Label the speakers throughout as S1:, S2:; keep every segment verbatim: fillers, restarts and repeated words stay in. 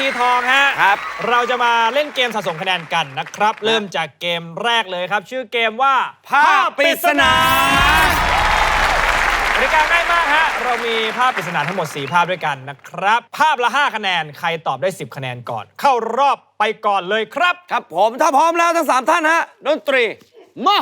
S1: ทีทองฮะ
S2: ครับ
S1: เราจะมาเล่นเกมสะสมคะแนนกันนะครับ เริ่มจากเกมแรกเลยครับ ชื่อเกมว่าภาพปริศนากติกาง่ายมากฮะเรามีภาพปริศนาทั้งหมดสี่ภาพด้วยกันนะครับภาพละห้าคะแนนใครตอบได้สิบคะแนนก่อน เข้ารอบไปก่อนเลยครับ
S2: ครับผมถ้าพร้อมแล้วทั้งสามท่านฮะดนตรีมา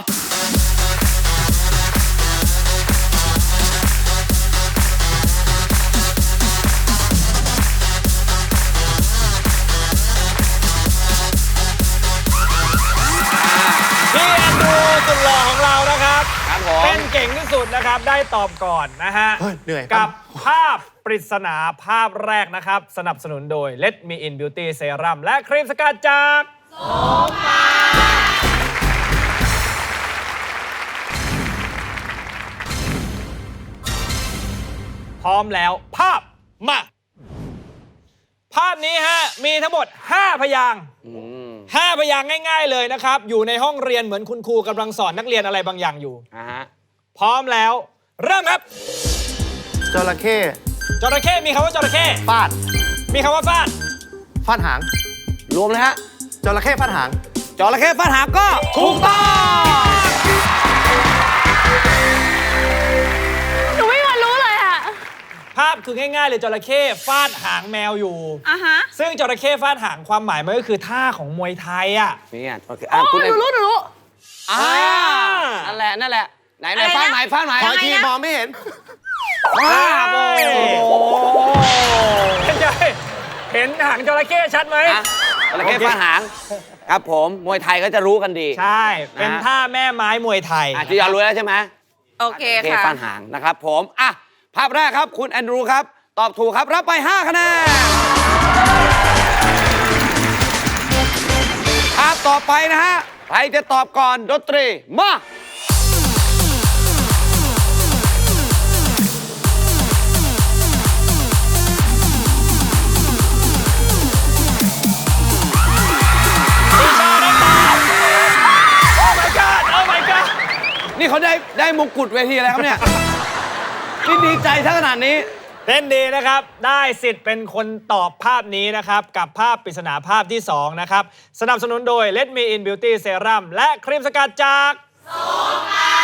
S1: พี่แอนดรูสุดหล่อของเรานะครับ
S2: ครับผม
S1: เป็นเก่งที่สุดนะครับได้ตอบก่อนนะฮะ
S3: เฮ้ยเหนื่อย
S1: กับภาพปริศนาภาพแรกนะครับ สนับสนุนโดย Let Me In Beauty Serum และครีมสกัดจากโสภาพร้อมแล้วภาพมา ภาพนี้ฮะมีทั้งหมดห้าพยางค์ห้าพยางค์ง่ายๆเลยนะครับ อยู่ในห้องเรียนเหมือนคุณครูกำลังสอนนักเรียนอะไรบางอย่างอยู่
S2: อ่าฮะ
S1: พร้อมแล้ว เริ่มครับ
S3: จระเข้
S1: จระเข้มีคำว่าจระเข้
S3: ฟาด
S1: มีคำว่าฟาด
S3: ฟาดหาง
S2: รวมเลยฮะ
S3: จระเข้ฟาดหาง
S2: จระเข้ฟาดหางก็ถูกต้อง
S4: หนูไม่มีวันรู้เลยอะ
S1: ภาพคือง่ายๆเลยจระเข้ฟาดหางแมวอยู่
S4: อ่ะฮะ
S1: ซึ่งจระเข้ฟาดหางความหมายมันก็คือท่าของมวยไทยอ่ะ
S2: นี่อ่ะโอเค
S4: อ๋
S2: อ่ะ
S4: อ
S2: คุณ
S4: ห
S2: เอ็
S4: นู
S2: ม
S4: รู้หนูรู้
S2: อ่านั่นแหละนั่นแหละไหนไหน
S4: อะไรนะ
S2: ฟาดไหนฟาดไหน
S3: ขออีกที
S4: ยังไงนะ
S3: มองไม่เห็น
S2: ฟาดโอ้โห
S1: เป็นไงเห็นหางจระเข้ชัดไหม
S2: อ่ะจระเข้ฟาดหางครับผมมวยไทยก็จะรู้กันดี
S1: ใช่ เป็นท่าแม่ไม้มวยไทย
S2: อ่ะจียอนรู้แล้วใช่ไหม
S4: โอเค
S2: จระเข้
S4: ค่ะ
S2: ฟาดหางนะครับผมอ่ะภาพแรกครับคุณแอนดรูครับตอบถูกครับรับไปห้าคะแนนภาพต่อไปนะฮะใครจะตอบก่อนดนตรีมานี่เขาได้ได้มงกุฎเวทีอะไรครับเนี่ย นี่ดีใจซะขนาดนี้
S1: เล่นดีนะครับ ได้สิทธิ์เป็นคนตอบภาพนี้นะครับ กับภาพปริศนาภาพที่สองนะครับ สนับสนุนโดย Let Me In Beauty Serum และครีมสกัดจากโสภา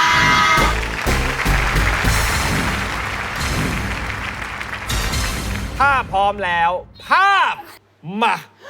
S1: ภาพพร้อมแล้ว ภาพมา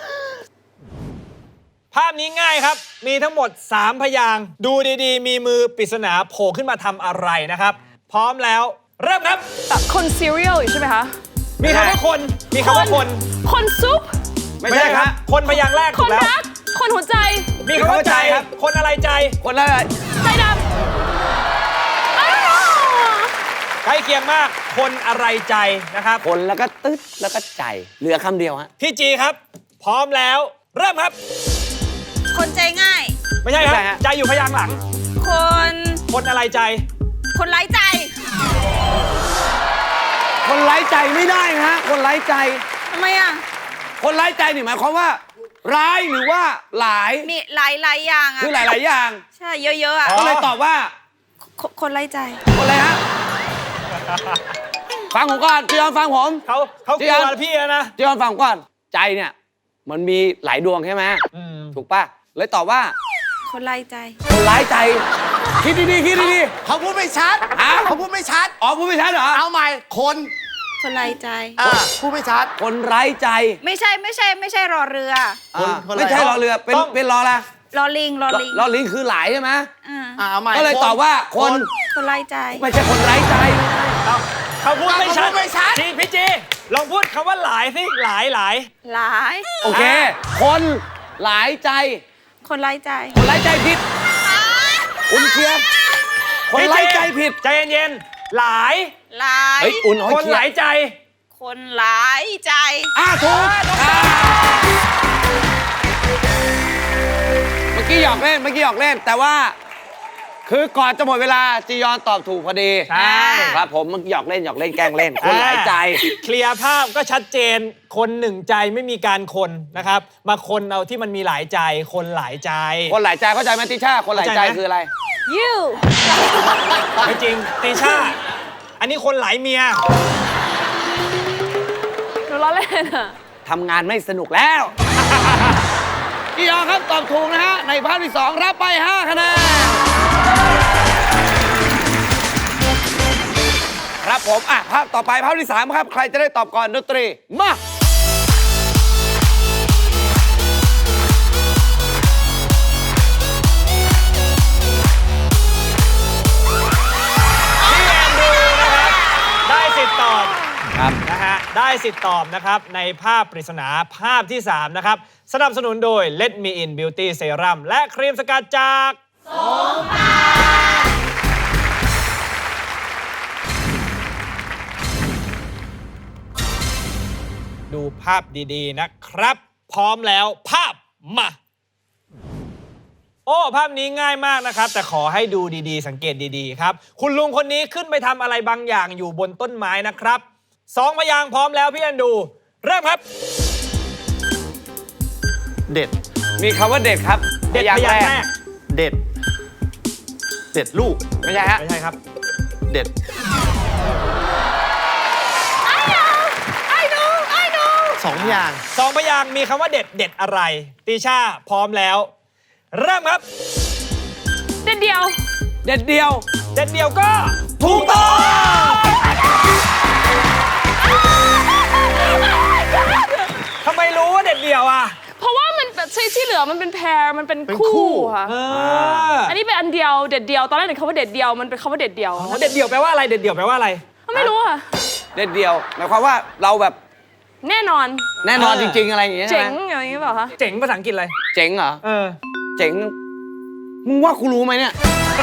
S1: ภาพนี้ง่ายครับ มีทั้งหมดสามพยางค์ดูดีๆ มีมือปริศนาโผล่ขึ้นมาทำอะไรนะครับ พร้อมแล้วเริ่มครับ
S4: คนซีเรียลอยู่ใช่ไหมคะ
S1: มีคำว่าคน มีคำว่าคน
S4: คนซุป
S2: ไม่ใช่ครับ
S1: คนพยางค์แรก
S4: ค
S1: ถู
S4: น
S1: กแล้ว
S4: รัก คนหัวใจ
S1: มีคำว่าใจ
S2: มีคำว่าใจครับ
S1: คนอะไรใจ
S2: คนละ
S4: ใจดำอ้าว
S1: ใกล้เคียงมาก คนอะไรใจนะครับ
S2: คนแล้วก็ตึ๊ดแล้วก็ใจ เหลือคำเดียวฮะ
S1: พี่จีครับ พร้อมแล้ว เริ่มครับ
S4: คนใจง่าย
S1: ไม่ใช่ครับ
S2: ไม่ใช่ฮะ
S1: ใจอยู่พยางค์หลัง
S4: คน
S1: คนอะไรใจ
S4: คนไร้ใจ
S2: คนไร้ใจไม่ได้ฮะ คนไร้ใจ
S4: ทำไมอ่ะ
S2: คนไร้ใจนี่หมายความว่า ร้ายหรือว่าหลาย
S4: มีหลายหลายอย่างอ่ะ
S2: คือหลาย ๆ อย่าง
S4: ใช่ เยอะๆอ่ะ
S1: อ๋อ
S2: ก็เลยตอบว่า
S4: คคนไร้ใจ
S2: คนอะไรฮะ ฟังผมก่อนจียอนฟังผม
S1: เขาเขาก
S2: จี
S1: ลั
S2: ย
S1: ว
S2: อน
S1: พี่แล้วนะ
S2: จียอนฟังผมก่อน ใจเนี่ย มันมีหลายดวงใช่ไหม
S1: อืม
S2: ถูกป่ะ เลยตอบว่า
S4: คนไร้ใจ
S2: คนร้ายใจ คิดดีๆคิดดี
S3: เขาพูดไม่ชัด
S2: ฮะ
S3: เขาพูดไม่ชัด
S2: ๆอ๋อพูดไม่ชัดเหรอ
S3: เอาใหม่ คน
S4: คนไร้ใจ
S3: อ่าพูดไม่ชัด
S2: คนไร้ใจ
S4: ไม่ใช่ไม่ใช่ไม่ใช่รอเรือ
S3: คน
S2: อ่า
S3: คนอะไร
S2: ไม่ใช่รอเรือ เป็น
S1: ต้อง
S2: เป็นรออะไร
S4: รอลิง รอลิง
S2: รอลิงคือหลายใช่ไหม
S4: อ่า
S3: อ่าเอาใหม่
S2: ก็เลยตอบว่าคน
S4: คนไร้ใจ
S2: ไม่ใช่คนไร้ใจ
S1: เขาเขาพูดไม่ชัด
S3: เขาพูดไม่ชัด
S1: จีพี่จีลองพูดคำว่าหลายสิหลายหลาย
S4: หลาย
S2: โอเค คนหลายใจ
S4: คนไร้ใจ
S2: คนไร้ใจผิด อุ่นเคลียร์คนไร้ใจผิด
S1: ใจเย็นๆหลาย
S4: หลาย
S2: เฮ้ย อุ่นเอา
S1: ค
S2: ให้
S1: น
S2: เคลี
S1: ห
S2: ย
S1: ลาย
S2: ร์
S1: ใจ
S4: คนหลายใจ
S2: อ่าถูกอ่าเมื่อกี้หยอกเล่น เมื่อกี้หยอกเล่น แต่ว่า คือก่อนจะหมดเวลาจียอนตอบถูกพอดี
S1: ใช่
S2: ครับผมเมื่อกี้หยอกเล่นหยอกเล่นแกล้งเล่น คนหลายใจ
S1: เคลียร์ภาพก็ชัดเจน คนหนึ่งใจไม่มีการคนนะครับ มาคนเอาที่มันมีหลายใจ คนหลายใจ
S2: คนหลายใจเข้าใจไหมติช่า คนหลายใจ
S1: เข้าใจไหม
S2: คืออะไร
S4: you
S1: ไม่จริงตีชา อันนี้คนหลายเมีย
S4: หนูล้อเล่นอ่ะ
S2: ทำงานไม่สนุกแล้ว จียอนครับตอบถูกนะฮะ ในภาพที่สองรับไปห้าคะแนน ครับผม อ่ะ ภาพต่อไปภาพที่สามครับ ใครจะได้ตอบก่อนดนตรี มา
S1: พี่แอนดรูนะครับได้สิทธิ์ตอบ
S2: ครับ
S1: นะฮะได้สิทธิ์ตอบนะครับในภาพปริศนาภาพที่สามนะครับสนับสนุนโดย Let Me In Beauty Serum และครีมสกัดจากโสมปาดูภาพดีๆนะครับ พร้อมแล้วภาพมา โอ้ ภาพนี้ง่ายมากนะครับ แต่ขอให้ดูดีๆ สังเกตดีๆครับ คุณลุงคนนี้ขึ้นไปทำอะไรบางอย่างอยู่บนต้นไม้นะครับสองพยางค์พร้อมแล้วพี่แอนดู เริ่มครับ
S3: เด็ด
S2: มีคำว่าเด็ดครับ
S1: เด็ดพยางค์แรก
S3: เด็ด เด็ดลูก
S2: ไม่ใช่ฮะ
S1: ไม่ใช่ครับ
S3: เด็ด สองอย่าง
S1: สองพยางค์มีคำว่าเด็ดเด็ดอะไรตีชาพร้อมแล้ว เริ่มครับ
S4: เด็ดเดียว
S2: เด็ดเดียว
S1: เด็ดเดียวก็
S2: ถูกต้อง
S1: ทำไมรู้ว่าเด็ดเดียวอ่ะ
S5: เพราะว่ามันแบบที่ที่เหลือมันเป็นแพรมันเป็น
S3: เป็นคู่
S5: คู่ค่ะ
S1: เออ
S5: อันนี้เป็นอันเดียวเด็ดเดียวตอนแรกเห็นคำว่าเด็ดเดียวมันเป็นคำว่าเด็ดเดียว
S1: อ๋อเด็ดเดียวแปลว่าอะไรเด็ดเดียวแปลว่าอะไร
S5: ไม่รู้ค่ะ
S2: เด็ดเดียว หมายความว่าเราแบบ
S5: แน่นอน
S2: แน่นอน
S1: เอ
S2: จ
S1: อ
S2: ริง ๆ อะไรอย่างเงี้ยใช่
S5: เจ๋
S2: ไห
S5: ง
S2: ม
S5: อย่างนี้เปล่าคะ
S1: เจ๋งภาษาอังกฤษอะไร
S2: เจ๋งเหรอ
S1: เออ
S2: เจ๋ง มึงว่ากูรู้ไหมเนี่ย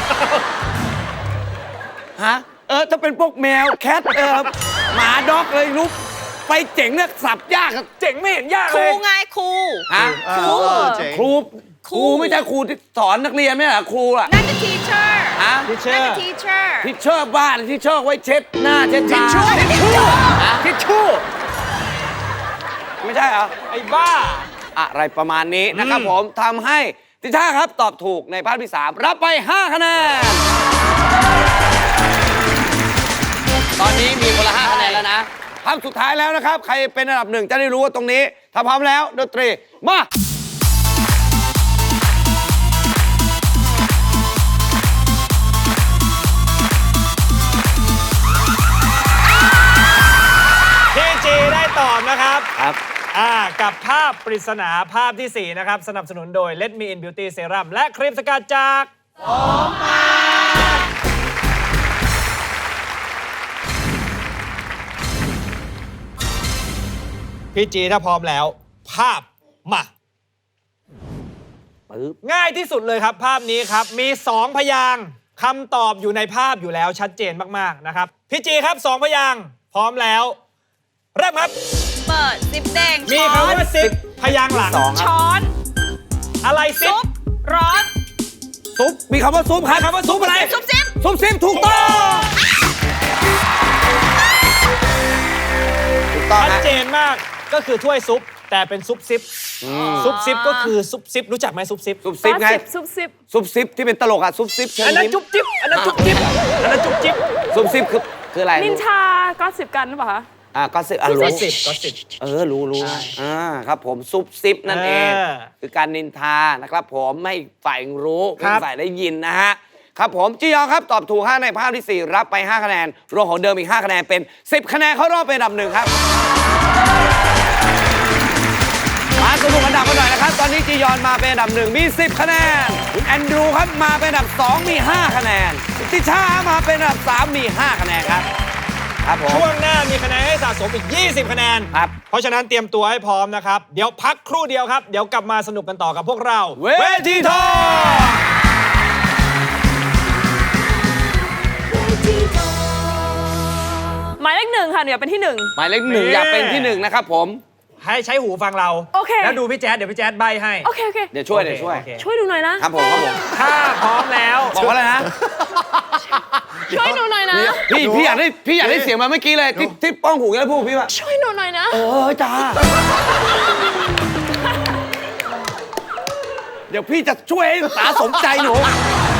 S2: ฮะ เออ ถ้าเป็นพวกแมว แคท เออ หมาด็อกเลยรู้ไปเจ๋งเนี่ยสับยากอะ
S1: เจ๋งไม่เห็นยาก
S4: ค
S1: เล
S4: รู
S1: ย
S4: ไงครู
S2: ฮะ
S3: ครู เจ๋ง
S2: ครู ครูไม่ใช่ครูที่สอนนักเรียนไม่ใช่เหรอครูอะ
S4: นั่นคือ teacher
S2: ฮะ
S1: ทิเชอ
S4: นั่น
S1: ร์
S4: คือ teacher
S2: ที่เชิดบ้านที่เชิดไว้เช็ดหน้าเช็ดตา
S4: ทิชชู่
S1: ทิชชู่
S2: ไม่ใช่เหรอ
S1: ไอ้บ้า
S2: อะไรประมาณนี้นะครับผมทำให้ติช่าครับตอบถูกในภาพที่สามรับไปห้าคะแนน ตอนนี้มีคนละห้าคะแนนแล้วนะภาพสุดท้ายแล้วนะครับ ใครเป็นอันดับหนึ่งจะได้รู้ว่าตรงนี้ถ้าพร้อมแล้วดนตรีมา
S1: พี่จีได้ตอบนะครับ
S2: ครับ
S1: อ่ากับภาพปริศนาภาพที่สี่นะครับสนับสนุนโดย Let Me In Beauty Serum และครีมสกัดจากโสมปาพี่จีถ้าพร้อมแล้ว ภาพมา
S2: ปึ๊บ
S1: ง่ายที่สุดเลยครับ ภาพนี้ครับ มีสองพยางค์คำตอบอยู่ในภาพอยู่แล้วชัดเจนมาก ๆ นะครับ พี่จีครับสองพยางค์พร้อมแล้ว เริ่มครับ
S4: เปิดซิปแดง
S1: มี
S4: ช้อ
S1: คำ
S4: น
S1: ว่าซิปพยางค์หลัง
S2: สองครับ
S4: ช้อน
S1: อะไรซิ
S4: ซุ
S1: ป
S4: ป ร้อน
S2: ซุปมีคำว่าซุปครับ
S1: คำว่าซุปอะไร
S4: ซุปซิป
S2: ซุปซิปถูกต้องถูกต้อง
S1: ชัด
S2: ฮะ
S1: เจนมากก็คือถ้วยซุป แต่เป็นซุปซิป ซุปซิปก็คือซุปซิป รู้จักไหมซุปซิป
S2: ซุปซิปไง
S5: ซุปซิป
S2: ซุปซิปที่เป็นตลกอะซุปซิปเชิญ
S1: อันนั้น
S2: ยิ้ม
S1: จุ๊บจิ๊บอันนั้นจุ๊บจิ๊บอันนั้นจุ๊บจิ๊บ
S2: ซุปซิปคือคืออะไร
S5: นินชาก็สิบกันหรือเปล่าคะ
S2: อ่ะก็สิบอ่ะรู้
S1: ก็สิบก็สิบ
S2: เออ รู้รู้อ่า ครับผม ซุปซิปนั่นเอง
S1: เออ
S2: คือการนินทา นะครับผมไม่อีกฝ่ายรู้
S1: ครั
S2: ไม่
S1: บ
S2: อีกฝ่ายได้ยินนะฮะ ครับผม จียอนครับ ตอบถูกห้าในภาพที่สี่รับไปห้าคะแนน รวมของเดิมอีกห้าคะแนน เป็นสิบคะแนนเข้ารอบเป็นอันดับหนึ่งครับ มาสนุกอันดับกันหน่อยนะครับ ตอนนี้จียอนมาเป็นอันดับหนึ่งมีสิบคะแนนคุณแอนดรูครับมาเป็นอันดับสองมีห้าคะแนนติช่ามาเป็นอันดับสามมีห้าคะแนนครับ ครับผม
S1: ช่วงหน้ามีคะแนนให้สะสมอีก ยี่สิบ คะแนน
S2: ครับ
S1: เพราะฉะนั้นเตรียมตัวให้พร้อมนะครับ เดี๋ยวพักครู่เดียวครับ เดี๋ยวกลับมาสนุกกันต่อกับพวกเรา
S2: เวทีทอง
S5: หมายเลขหนึ่งค่ะเดี๋ยวเป็นที่หนึ่ง
S2: หมายเลขหนึ่ง
S1: นี่
S2: อยากเป็นที่หนึ่งนะครับผม
S1: ให้ใช้หูฟังเรา
S5: โอเค
S1: แล้วดูพี่แจ๊ดเดี๋ยวพี่แจ๊ดใบให้
S5: โอเคโอเค
S2: เดี๋ยวช่วย
S1: โอเค
S2: เดี๋ยวช่วย
S1: โอเค
S5: ช่วยดูหน่อยนะ
S2: ครับผมครับผม
S1: ถ้าพร้อมแล้ว
S2: บอกว่าอะไรนะ
S5: ช่วยดูหน่อยนะ
S2: พี่พี่อยากได้พี่อยากได้เสียงมาเมื่อกี้เลยที่ที่ป้องหูแล้วพูดพี่ว่า
S5: ช่วยดูหน่อยนะ
S2: เออจ้าเดี๋ยวพี่จะช่วยให้ตาสมใจหนู